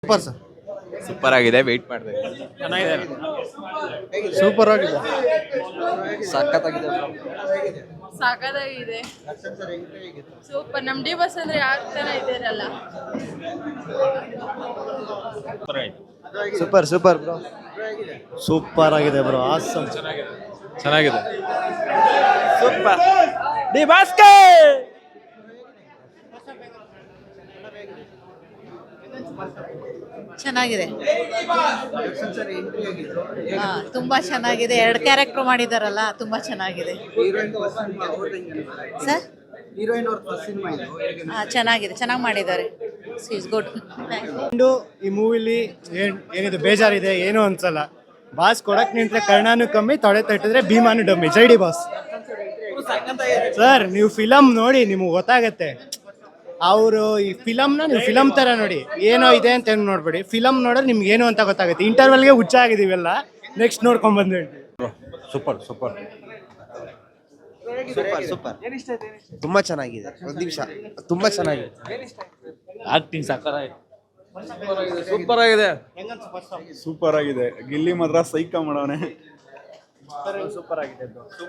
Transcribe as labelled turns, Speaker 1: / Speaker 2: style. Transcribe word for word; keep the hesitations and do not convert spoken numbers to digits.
Speaker 1: Super sir.
Speaker 2: Super ಆಗಿದೆ, wait ಮಾಡಿದೆ.
Speaker 3: ಚೆನ್ನಾಗಿದೆ,
Speaker 1: ಸೂಪರ್ ಆಗಿದೆ.
Speaker 2: ಸಖತ್ತಾಗಿದೆ.
Speaker 4: ಸಾಕಾಗಿದೆ, ಸೂಪರ್. ನಮ್ ಡಿ ಬಸ್ ಅಂದ್ರೆ ಯಾವ ತರ ಇದ್ದೀರಲ್ಲ.
Speaker 1: Super super bro. ಸೂಪರ್ ಆಗಿದೆ ಬ್ರೋ. ಆಸಮ್.
Speaker 3: ಚೆನ್ನಾಗಿದೆ.
Speaker 2: ಸೂಪರ್.
Speaker 3: ಡಿ ಬಾಸ್ಕೆ
Speaker 5: ಚೆನ್ನಾಗಿದೆ. ಹಾ ತುಂಬಾ ಚೆನ್ನಾಗಿದೆ. ಎರಡು ಕ್ಯಾರೆಕ್ಟರ್ ಮಾಡಿದಾರಲ್ಲ, ತುಂಬಾ ಚೆನ್ನಾಗಿದೆ ಸರ್. ಹಾ ಚೆನ್ನಾಗಿದೆ, ಚೆನ್ನಾಗಿ ಮಾಡಿದ್ದಾರೆ. Is good.
Speaker 1: ಈ ಮೂವಿಲಿ ಏನ್ ಏನಿದೆ ಬೇಜಾರಿದೆ, ಏನು ಅನ್ಸಲ್ಲ. ಬಾಸ್ ಕೊಡಕ್ ನಿಂತ್ರೆ ಕರ್ಣಾನು ಕಮ್ಮಿ, ತೊಡೆ ತಟ್ಟಿದ್ರೆ ಭೀಮಾನು ಡಮ್ಮಿ. ಜೈ ಡಿ ಬಾಸ್. ಸರ್ ನೀವು ಫಿಲಮ್ ನೋಡಿ, ನಿಮ್ಗೆ ಗೊತ್ತಾಗತ್ತೆ. ಅವರು ಈ ಫಿಲಮ್ನ ನೀವು ಫಿಲಮ್ ತರ ನೋಡಿ, ಏನೋ ಇದೆ ಅಂತ ಏನು ನೋಡ್ಬೇಡಿ. ಫಿಲಮ್ ನೋಡಿದ್ರೆ ನಿಮ್ಗೆ ಏನು ಅಂತ ಗೊತ್ತಾಗುತ್ತೆ. ಇಂಟರ್ವಲ್ಗೆ ಹುಚ್ಚ ಆಗಿದೀವೆಲ್ಲ, ನೆಕ್ಸ್ಟ್ ನೋಡ್ಕೊಂಡ್ ಬಂದು ಹೇಳ್ತೀವಿ.
Speaker 6: Super super
Speaker 1: super super. ತುಂಬಾ ಚೆನ್ನಾಗಿದೆ. ಒಂದು ನಿಮಿಷ, ತುಂಬಾ ಚೆನ್ನಾಗಿದೆ.
Speaker 3: ಆಕ್ಟಿಂಗ್ ಸಕ್ಕತ್ತಾಗಿದೆ.
Speaker 2: ಸೂಪರ್ ಆಗಿದೆ.
Speaker 6: ಸೂಪರ್ ಆಗಿದೆ. ಗಿಲ್ಲಿ ಮಾತ್ರ ಸೈಕ ಮಾಡವನೆ.
Speaker 1: ಸೂಪರ್ ಆಗಿದೆ.